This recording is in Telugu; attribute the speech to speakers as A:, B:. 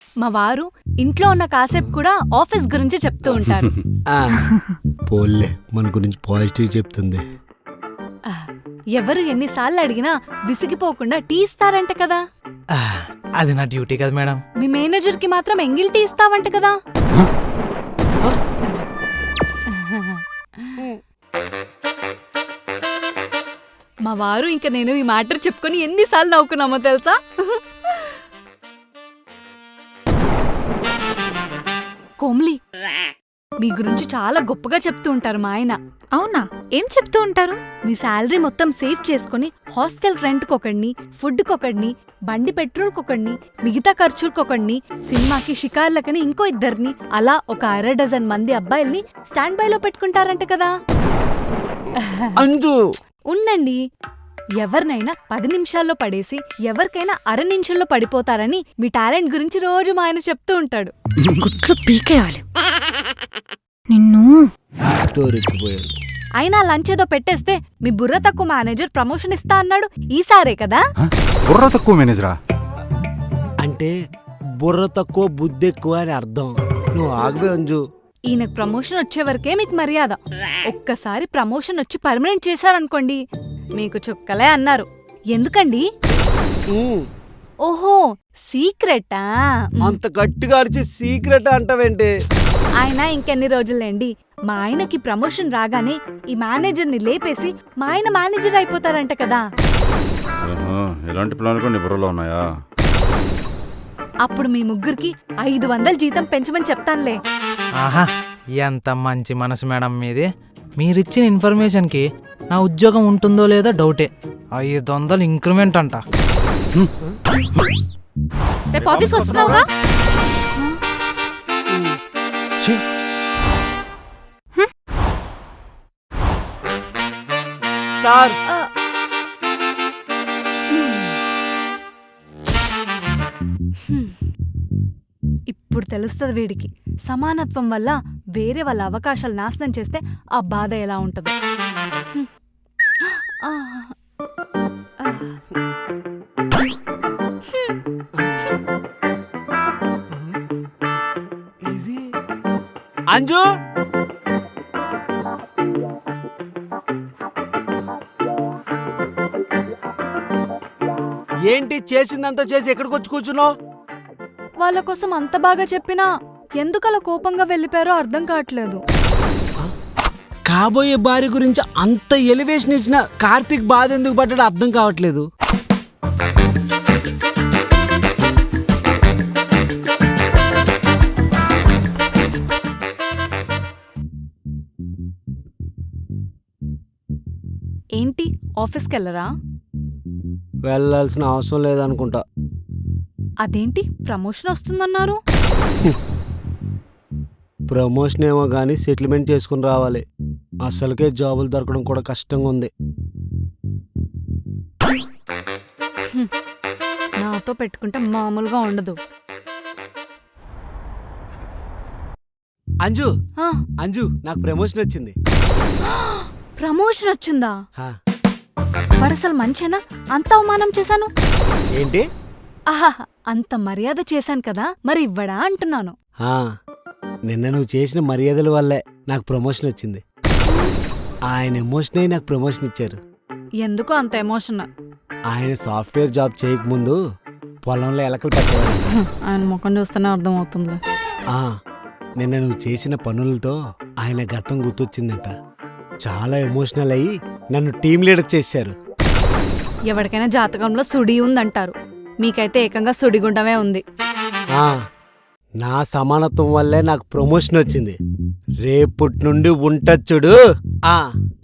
A: మా వారు ఇంట్లో ఉన్న కాసేపు కూడా ఆఫీస్ గురించి చెప్తూ ఉంటారు.
B: పోల్లే మన గురించి పాజిటివ్ చెప్తుంది.
A: ఎవరు ఎన్నిసార్లు అడిగినా విసిగిపోకుండా టీ ఇస్తారంట కదా.
C: అది నా డ్యూటీ కదా మేడం.
A: మీ మేనేజర్ కి మాత్రం ఎంగిల్ టీ ఇస్తావంట కదా. మా వారు ఇంకా నేను ఈ మ్యాటర్ చెప్పుకొని ఎన్నిసార్లు నవ్వుకున్నామో తెలుసా. కోమ్లీ, మీ గురించి చాలా గొప్పగా చెప్తూ ఉంటారు మా ఆయన.
D: అవునా? ఏం చెప్తూ ఉంటారు?
A: మీ శాలరీ మొత్తం సేవ్ చేసుకుని హాస్టల్ రెంట్కొకడిని, ఫుడ్కొకడిని, బండి పెట్రోల్కొకడిని, మిగతా ఖర్చులకొకడిని, సినిమాకి షికార్లకని ఇంకో ఇద్దరిని, అలా ఒక 1/2 డజన్ మంది అబ్బాయిల్ని స్టాండ్ బైలో పెట్టుకుంటారంట కదా. ఉండండి, ఎవరినైనా 10 నిమిషాల్లో పడేసి ఎవరికైనా 1/2 నిమిషంలో పడిపోతారని మీ టాలెంట్ గురించి రోజు మా ఆయన చెప్తూ ఉంటాడు.
D: గుట్లు పీకేయాలి నిన్ను.
A: అయినా లంచ్ ఏదో పెట్టేస్తే మీ బుర్ర తక్కువ మేనేజర్ ప్రమోషన్ ఇస్తా అన్నాడు. ఈసారే కదా.
E: బుర్ర తక్కువ మేనేజరా
B: అంటే బుర్ర తక్కువ బుద్ధి ఎక్కువ అని అర్థం. నువ్వు ఆగవే అంజు.
A: ఈయనకు ప్రమోషన్ వచ్చే వరకే మీకు మర్యాద. ఒక్కసారి ప్రమోషన్ వచ్చి పర్మనెంట్ చేశారనుకోండి, మీకు చుక్కలే అన్నారు. ఎందుకండి? ఓహో, సీక్రెటా?
B: అంత గట్టిగా అరిచి సీక్రెట్ అంటావేంటి?
A: ఆయన ఇంకెన్ని రోజులేండి, మా ఆయనకి ప్రమోషన్ రాగానే ఈ మేనేజర్ని లేపేసి మా ఆయన మేనేజర్ అయిపోతారంట కదా.
E: ఎలాంటి ప్లాన్ కొన్ని బుర్రలో ఉన్నాయా?
A: అప్పుడు మీ ముగ్గురికి 500 జీతం పెంచమని చెప్తానులే.
C: ఆహా, ఎంత మంచి మనసు మేడం మీది. మీరిచ్చిన ఇన్ఫర్మేషన్కి నా ఉద్యోగం ఉంటుందో లేదో డౌటే. 500 ఇంక్రిమెంట్ అంట.
D: రేపు ఆఫీస్ వస్తున్నావుగా?
B: సార్,
A: ఇప్పుడు తెలుస్తుంది వీడికి, సమానత్వం వల్ల వేరే వాళ్ళ అవకాశాలు నాశనం చేస్తే ఆ బాధ ఎలా ఉంటుందో.
B: అంజు, ఏంటి చేసిందంతా చేసి ఎక్కడికి వచ్చి కూర్చున్నావు?
A: వాళ్ళ కోసం అంత బాగా చెప్పినా ఎందుకలా కోపంగా వెళ్ళిపోయారో అర్థం కావట్లేదు.
B: కాబోయే భార్య గురించి అంత ఎలివేషన్ ఇచ్చిన కార్తీక్ బాధ ఎందుకు పడ్డాడో అర్థం కావట్లేదు.
A: ఏంటి, ఆఫీస్కి వెళ్ళరా?
B: వెళ్ళాల్సిన అవసరం లేదనుకుంటా.
A: అదేంటి, ప్రమోషన్ వస్తుందన్నారు?
B: ప్రమోషన్ ఏమో కానీ సెటిల్మెంట్ చేసుకుని రావాలి. అసలుకే జాబులు దొరకడం కూడా కష్టంగా ఉంది.
A: నాతో పెట్టుకుంటే మామూలుగా ఉండదు.
B: అంజు, అంజు, నాకు ప్రమోషన్ వచ్చింది.
A: ప్రమోషన్ వచ్చిందా? వరసలు మంచేనా? అంత అవమానం చేశాను.
B: ఏంటి?
A: ఆహా, అంత మర్యాద చేశాను కదా, మరి ఇవ్వడా అంటున్నాను.
B: నిన్న నువ్వు చేసిన మర్యాదల వల్లే నాకు ప్రమోషన్ వచ్చింది. ఆయన ఎమోషన్ అయి నాకు ప్రమోషన్ ఇచ్చారు.
A: ఎందుకు అంత ఎమోషన్?
B: ఆయన సాఫ్ట్వేర్ జాబ్ చేయకముందు పొలంలో ఎలకలు పట్టేవారు.
A: ఆయన ముఖం చూస్తేనే అర్థమవుతుంది.
B: నిన్న నువ్వు చేసిన పనులతో ఆయన గతం గుర్తొచ్చిందంట. చాలా ఎమోషనల్ అయ్యి నన్ను టీం లీడర్ చేశారు.
A: ఎవరికైనా జాతకంలో సుడి ఉందంటారు, మీకైతే ఏకంగా సుడిగుండమే ఉంది.
B: నా సమానత్వం వల్లే నాకు ప్రమోషన్ వచ్చింది. రేపటి నుండి ఉంటచ్చుడు.